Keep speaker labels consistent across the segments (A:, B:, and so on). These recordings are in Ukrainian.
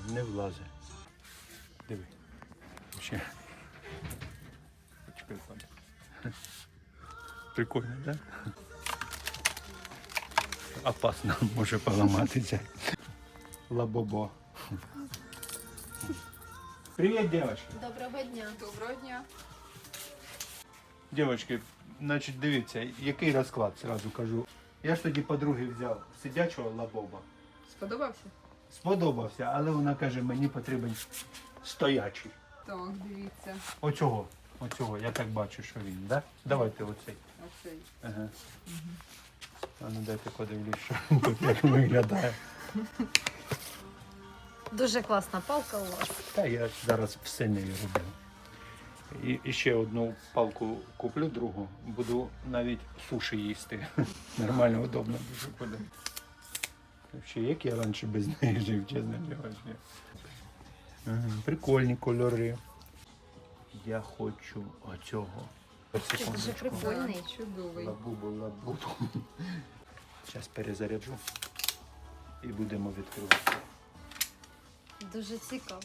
A: не влазить. Диви. Ще. Почекай, пане. Прикольно, так? Да? Опасно, може поламатися. Лабобо. Привіт, дівчатки.
B: Доброго дня.
C: Доброго дня.
A: Дівчатки, значить, дивіться, який розклад, зразу кажу. Я ж тоді подруги взяв сидячого лабоба.
C: Сподобався?
A: Сподобався, але вона каже, мені потрібен стоячий.
C: Так, дивіться.
A: Оцього, я так бачу, що він, так? Да? Давайте оцей.
C: Оцей.
A: Ага. А ну дайте подивлюсь, що він тут як виглядає.
B: Дуже класна палка у вас.
A: Та я зараз все нею роблю. І ще одну палку куплю, другу. Буду навіть суші їсти. Нормально, удобно дуже буде. Ще як я раніше без неї жив, чесно кажучи. Ага, прикольні кольори. Я хочу оцього.
B: Це дуже прикольний.
C: Чудовий.
A: Лабубу. Зараз перезаряджу і будемо відкривати.
B: Дуже цікаво.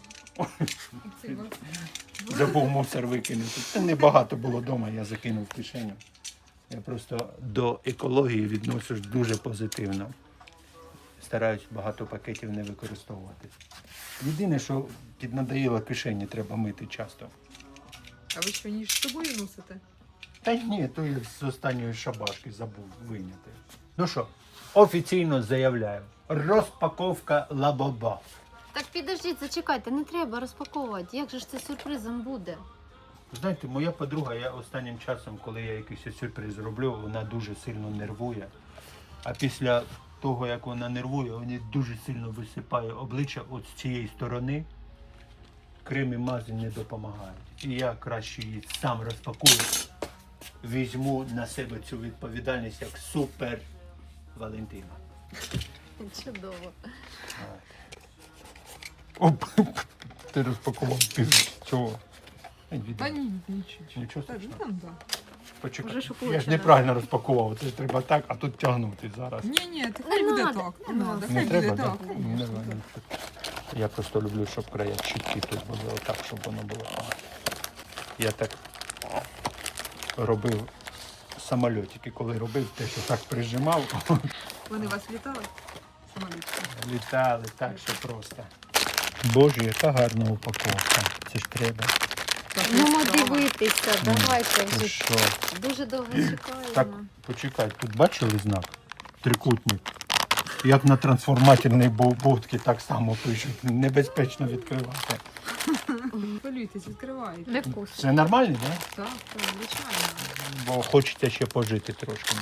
A: Забув мусор викинути. Та небагато було вдома, я закинув в кишеню. Я просто до екології відношусь дуже позитивно. Стараюсь багато пакетів не використовувати. Єдине, що піднадоїло кишені, треба мити часто.
C: А ви що, ніж з собою носите?
A: Та ні, то я з останньої шабашки забув вийняти. Ну що, офіційно заявляю. Розпаковка лабоба.
B: Так підождіть, зачекайте, не треба розпаковувати. Як же ж це сюрпризом буде?
A: Знаєте, моя подруга, я останнім часом, коли я якийсь сюрприз роблю, вона дуже сильно нервує. А після того, як вона нервує, вона дуже сильно висипає обличчя от з цієї сторони. Крем і мази не допомагають. І я краще її сам розпакую. Візьму на себе цю відповідальність як супер Валентина.
B: Чудово.
A: Оп, ти розпакував чого?
C: Та ні, нічого.
A: Нічого
C: Та,
A: страшного.
C: там, да.
A: Почекай.
B: Вже шокуюче,
A: Я ж
B: да?
A: неправильно розпакував, це ж треба так, а тут тягнути зараз.
C: Ні, так хай буде
B: надо,
C: так.
B: не
C: Не
B: надо.
C: надо,
A: Не
C: хай
A: треба,
C: буде
A: так?
C: так.
A: Не треба, нічого. Я просто люблю, щоб края чіткі тут були, отак, щоб воно було. Я так робив самольотики, коли робив те, що так прижимав,
C: Вони вас вітали? Самолітки.
A: літали так, що просто. Боже, яка гарна упаковка. Це ж треба.
B: Ну, дивитися, давайте
A: Ти
B: вже.
A: що?
B: Дуже довго чекаємо.
A: Так, почекай, тут бачили знак? Трикутник. Як на трансформаторній будці так само пишуть. Небезпечно відкривати.
C: Хвилюйтесь, відкривайте.
B: Невкусно.
A: Це нормально, так?
C: Так, звичайно.
A: Бо хочеться ще пожити трошки.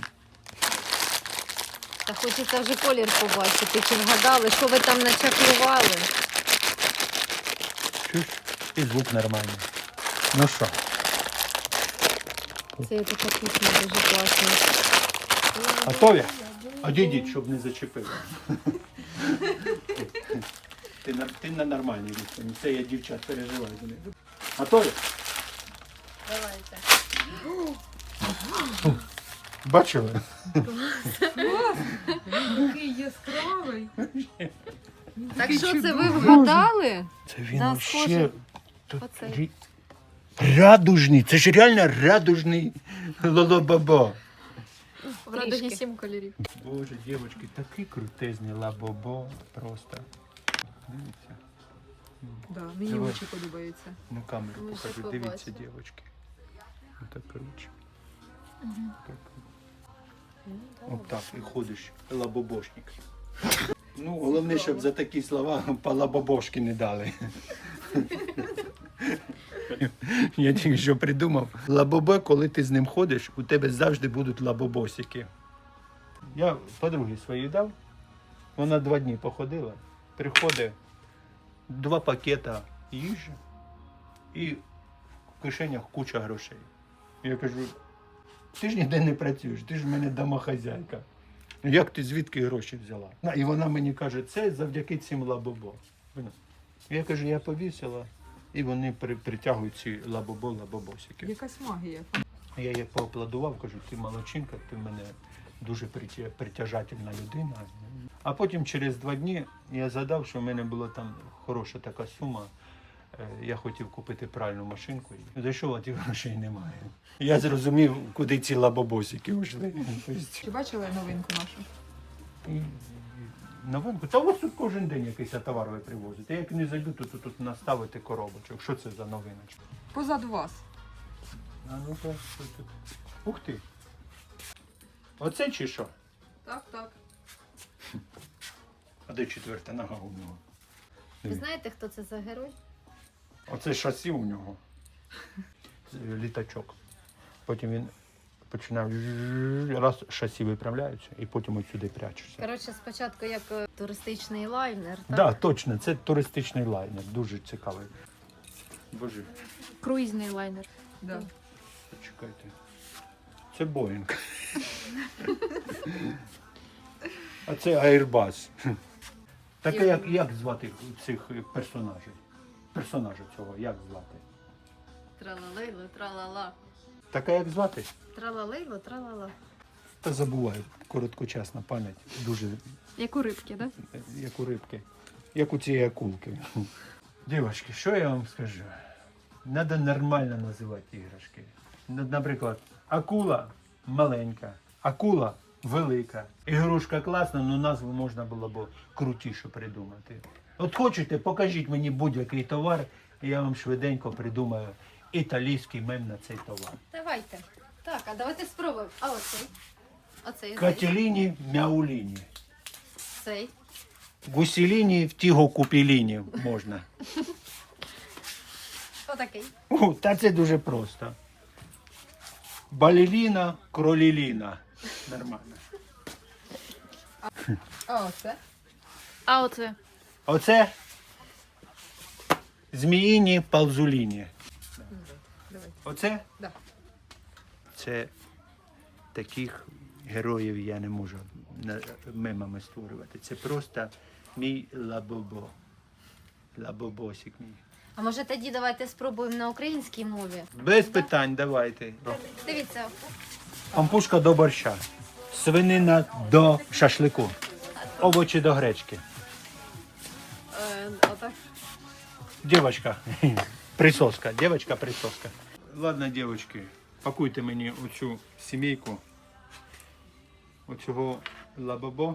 B: Та хочеться вже колір побачити, чи вгадали, що ви там начаклували.
A: Чуєш? І звук нормальний. Ну що?
B: Це така пісня дуже класна.
A: Готові? Одійдіть, щоб не зачепило. Ти на нормальній відстані. Це я дівчат переживаю за них. Готові?
B: Давайте.
A: Бачили?
C: Він такий яскравий. Він
B: Так
C: такий
B: що це ви
C: чудовий.
B: вгадали?
A: Це він
B: Да,
A: вообще...
B: схоже.
A: Тут
B: Оцей.
A: радужний. Це ж реально радужний лолобабо.
B: В радугі 7 кольорів.
A: Боже, дівчатки, такий крутезний лабобо. Просто. Дивіться.
C: Да, мені
A: Давай.
C: очі подобаються.
A: На камеру
B: Ми ще
A: покажу. Дивіться,
B: побачимо.
A: дівчатки. Так коротше. Так. Отак і ходиш, лабобошник. Ну, головне, щоб за такі слова по лабобошки не дали. Я тільки що придумав. Лабобо, коли ти з ним ходиш, у тебе завжди будуть лабобосики. Я подругі своїй дав, вона 2 дні походила, приходить 2 пакета їжі і в кишенях куча грошей. Я кажу, ти ж ніде не працюєш, ти ж в мене домохазяйка. Як ти звідки гроші взяла? І вона мені каже, це завдяки цим лабобо. Я кажу, я повісила, і вони притягують ці лабобосики.
C: Якась магія.
A: Я їй поаплодував, кажу, ти молодчинка, ти в мене дуже притяжательна людина. А потім через 2 дні я згадав, що в мене була там хороша така сума. Я хотів купити пральну машинку. Зайшов, а тих грошей немає. Я зрозумів, куди ці лабобосики йшли.
C: Чи бачили новинку нашу?
A: Новинку? Та ось тут кожен день якийсь товар ви привозите. Як не зайду, то тут наставити коробочок. Що це за новиночка?
C: Позаду вас.
A: А ну-ка, що тут? Ух ти! Оце чи що?
C: Так, так.
A: А де 4-та нога у нього?
B: Ви знаєте, хто це за герой?
A: Оце шасі у нього. Літачок. Потім він починав раз шасі виправляються і потім от сюди прячешся.
B: Коротше, спочатку як туристичний лайнер,
A: Так,
B: так?
A: точно, це туристичний лайнер, дуже цікавий. Боже,
B: Круїзний лайнер.
C: Да.
A: почекайте. Це Боїнг. А це Airbus. Таке, як звати цих персонажів? Персонажа цього, як звати?
B: Тралалейло, тралала.
A: Таке, як звати?
B: Тралалейло, тралала.
A: Та забуваю, короткочасна пам'ять. Дуже,
B: Як у рибки, так?
A: як у рибки. Як у цієї акулки. Дівчатки, що я вам скажу? Треба нормально називати іграшки. Наприклад, акула маленька, акула велика. Ігрушка класна, але назву можна було б крутіше придумати. От хочете, покажіть мені будь-який товар, і я вам швиденько придумаю італійський мем на цей товар.
B: Давайте. Так, а давайте спробуємо. А оцей? Оцей.
A: Катіліні, мяуліні.
B: Цей.
A: Гусіліні, втіго купіліні можна.
B: Отакий.
A: Та це дуже просто. Баліліна, кроліліна. Нормально.
C: А оце?
B: А оце?
A: Оце зміїні палзуліні.
C: Давай.
A: Оце?
C: Да.
A: Це таких героїв я не можу мемами створювати. Це просто мій лабобо. Лабобосик мій.
B: А може тоді давайте спробуємо на українській мові?
A: Без питань, давайте.
B: Дивіться.
A: Пампушка до борща. Свинина до шашлику. Овочі до гречки.
B: Отак.
A: Девочка, присоска, девочка присоска. Ладно, девочки, пакуйте мені оцю сімейку, оцього лабабо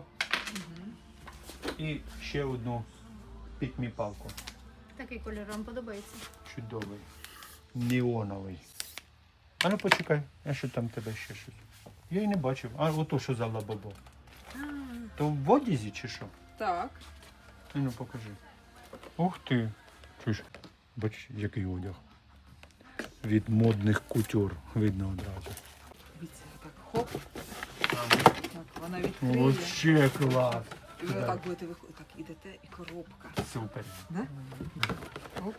A: і ще одну пітміпалку.
B: Такий кольор вам подобається.
A: Чудовий, неоновий. А ну почекай, а що там в тебе ще щось? Я й не бачив. А ото що за лабабо? То в одязі чи що?
C: Так.
A: Ну покажи. Ух ти. Чуєш, бач, який одяг. Від модних кутюр видно одразу.
C: Дивіться, так хоп. Так, вона відкриє.
A: Вообще клас.
C: І ви отак будете виходити. Так, ідете і коробка.
A: Супер.
C: Да? Оп.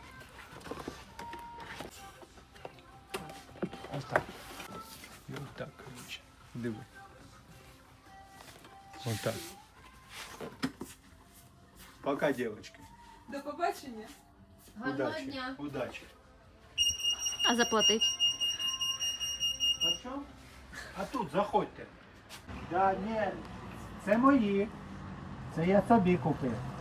A: Ось так. І ось так, коротше. Диви. Ось так. Пока, девочки.
C: До побачення.
B: Гарного
A: Удачі.
B: дня.
A: Удачі.
B: А заплатить?
A: А що? А тут заходьте. Да, ні, це мої. Це я собі купив.